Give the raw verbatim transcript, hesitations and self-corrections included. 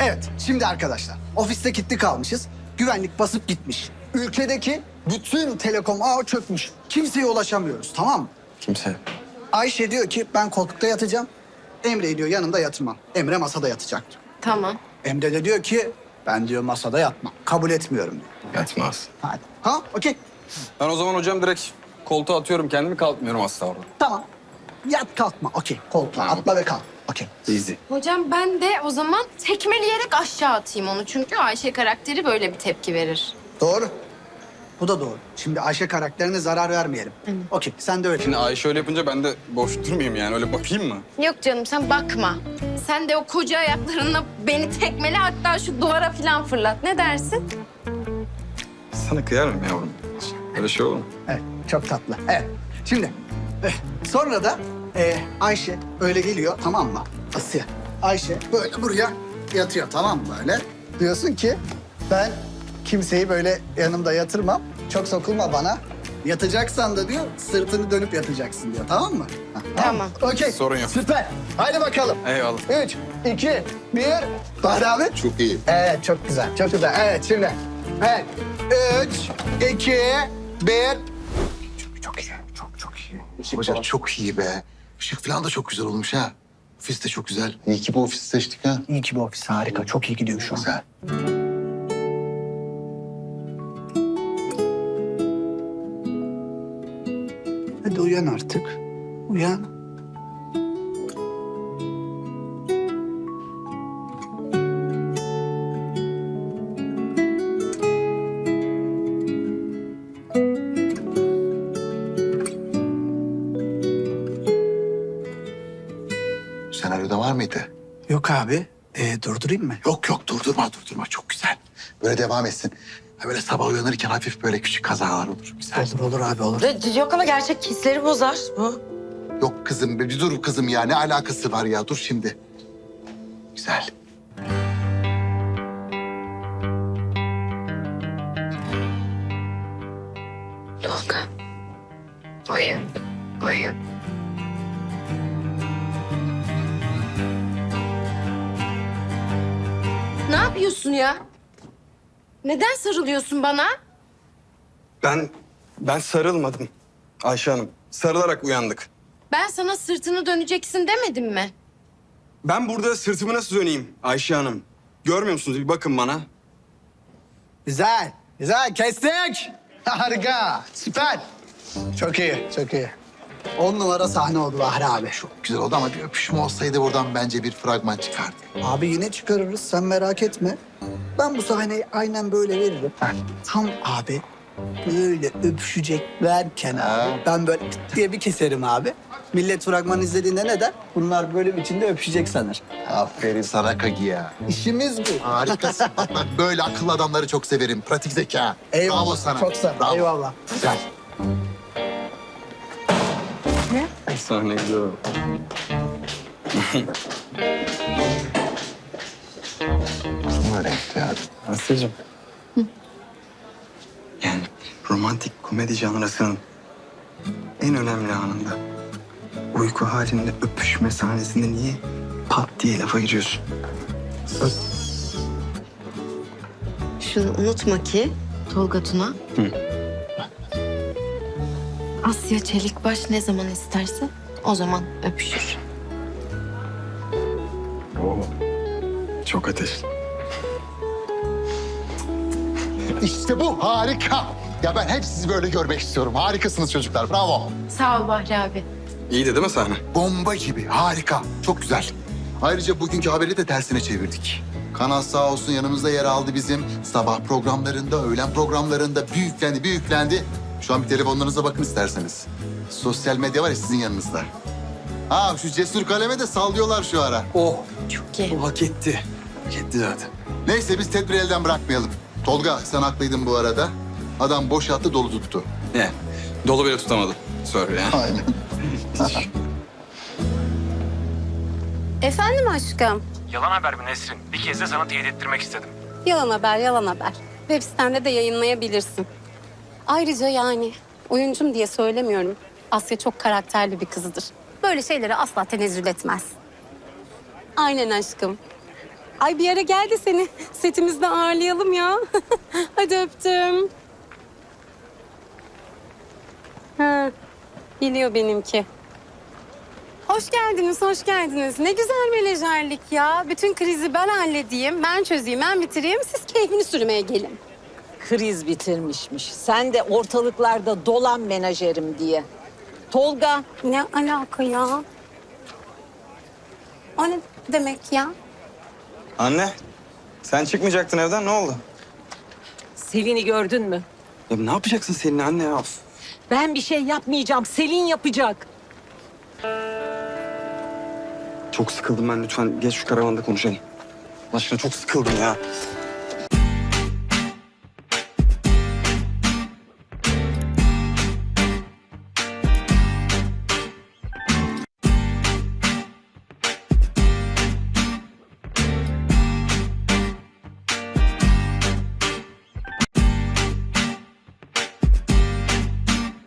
Evet, şimdi arkadaşlar ofiste kilitli kalmışız. Güvenlik basıp gitmiş. Ülkedeki bütün telekom ağı çökmüş. Kimseye ulaşamıyoruz, tamam mı? Kimse. Ayşe diyor ki ben koltukta yatacağım. Emre diyor yanımda yatırmam. Emre masada yatacak. Tamam. Emre de diyor ki ben diyor masada yatmam. Kabul etmiyorum diyor. Yatmaz. Hadi. Ha, okey. Ben o zaman hocam direkt koltuğa atıyorum kendimi, kalkmıyorum asla orada. Tamam. Yat kalkma. Okey. Koltuğa Tamam. atla ve kalk. Okey. Easy. Hocam ben de o zaman tekmeleyerek aşağı atayım onu. Çünkü Ayşe karakteri böyle bir tepki verir. Doğru. Bu da doğru. Şimdi Ayşe karakterine zarar vermeyelim. Okey. Sen de öyle. Şimdi Ayşe öyle yapınca ben de boş durmayayım yani, öyle bakayım mı? Yok canım sen bakma. Sen de o koca ayaklarınla beni tekmele, hatta şu duvara falan fırlat. Ne dersin? Sana kıyarım yavrum. Öyle şey olur mu? Evet. Çok tatlı. Evet. Şimdi eh, sonra da eh, Ayşe öyle geliyor, tamam mı? Asya. Ayşe böyle buraya yatıyor, tamam mı böyle? Diyorsun ki ben kimseyi böyle yanımda yatırmam. Çok sokulma bana. Yatacaksan da diyor sırtını dönüp yatacaksın diyor, tamam mı? Ha, Tamam. Okey. Sorun yok. Süper. Haydi bakalım. Eyvallah. Üç, iki, bir. Bahri abi. Çok iyi. Evet, çok güzel, çok güzel. Evet, şimdi. Evet. Üç, iki, bir. Çok, çok iyi. Çok çok iyi. Hocam çok iyi be. Işık falan da çok güzel olmuş ha. Ofis de çok güzel. İyi ki bu ofisi seçtik ha. İyi ki bu ofis harika. Çok iyi gidiyor şu an. Güzel. Hadi uyan artık. Uyan. Senaryoda var mıydı? Yok abi. Ee, durdurayım mı? Yok yok durdurma durdurma çok güzel. Böyle devam etsin. Ha, böyle sabah uyanırken hafif böyle küçük kazalar olur. Güzel. Olur olur abi olur. Yok ama gerçek hisleri bozar bu. Yok kızım bir dur kızım ya ne alakası var ya dur şimdi. Güzel. Tolga. Uyu. Uyu. Ne yapıyorsun ya? Neden sarılıyorsun bana? Ben, ben sarılmadım Ayşe Hanım. Sarılarak uyandık. Ben sana sırtını döneceksin demedim mi? Ben burada sırtımı nasıl döneyim Ayşe Hanım? Görmüyor musunuz? Bir bakın bana. Güzel. Güzel. Kestik. Harika. Süper. Çok iyi. Çok iyi. On numara sahne oldu Bahri abi. Çok güzel oldu ama bir öpüşme olsaydı buradan bence bir fragman çıkardı. Abi yine çıkarırız. Sen merak etme. Ben bu sahneyi aynen böyle veririm. Tam abi böyle öpüşeceklerken abi ben böyle pıt diye bir keserim abi. Millet fragman izlediğinde ne der? Bunlar bölüm içinde öpüşecek sanır. Aferin sana Kagi ya. İşimiz bu. Harikasın. Bak ben böyle akıllı adamları çok severim. Pratik zeka. Eyvallah. Bravo sana. Çok sağ ol. Bravo. Eyvallah. Güzel. Sahne güzel oldu. Öyle işte ya. Asya'cığım. Yani romantik komedi janrasının en önemli anında, uyku halinde öpüşme sahnesinde niye pat diye lafa giriyorsun? Şunu unutma ki Tolga Tuna. Hı. Asya Çelikbaş ne zaman isterse o zaman öpüşür. Oo. Çok ateşli. İşte bu harika. Ya ben hep sizi böyle görmek istiyorum. Harikasınız çocuklar. Bravo. Sağ ol Bahri abi. İyiydi değil mi sahne? Bomba gibi. Harika. Çok güzel. Ayrıca bugünkü haberi de tersine çevirdik. Kanal sağ olsun yanımızda yer aldı bizim. Sabah programlarında, öğlen programlarında büyüklendi, büyüklendi. Şu an bir telefonlarınıza bakın isterseniz. Sosyal medya var ya sizin yanınızda. Ha şu cesur kaleme de sallıyorlar şu ara. Oh. Çok iyi. O hak etti. Hak etti zaten. Neyse biz tedbiri elden bırakmayalım. Tolga sen haklıydın bu arada. Adam boş attı dolu tuttu. Ne? Dolu bile tutamadı. Sorry ya. Aynen. Efendim aşkım? Yalan haber mi Nesrin? Bir kez de sana teyit ettirmek istedim. Yalan haber, yalan haber. Web sitende de yayınlayabilirsin. Ayrıca yani oyuncum diye söylemiyorum. Asya çok karakterli bir kızıdır. Böyle şeylere asla tenezzül etmez. Aynen aşkım. Ay bir ara gel de seni setimizde ağırlayalım ya. Hadi öptüm. Ha, biliyor benimki. Hoş geldiniz, hoş geldiniz. Ne güzel menajerlik ya. Bütün krizi ben halledeyim, ben çözeyim, ben bitireyim. Siz keyfini sürmeye gelin. Kriz bitirmişmiş. Sen de ortalıklarda dolan menajerim diye. Tolga, Ne alaka ya? O ne demek ya? Anne, sen çıkmayacaktın evden, ne oldu? Selin'i gördün mü? Ya ne yapacaksın seninle anne ya? Of. Ben bir şey yapmayacağım. Selin yapacak. Çok sıkıldım ben, lütfen geç şu karavanda konuşalım. Allah aşkına çok sıkıldım ya.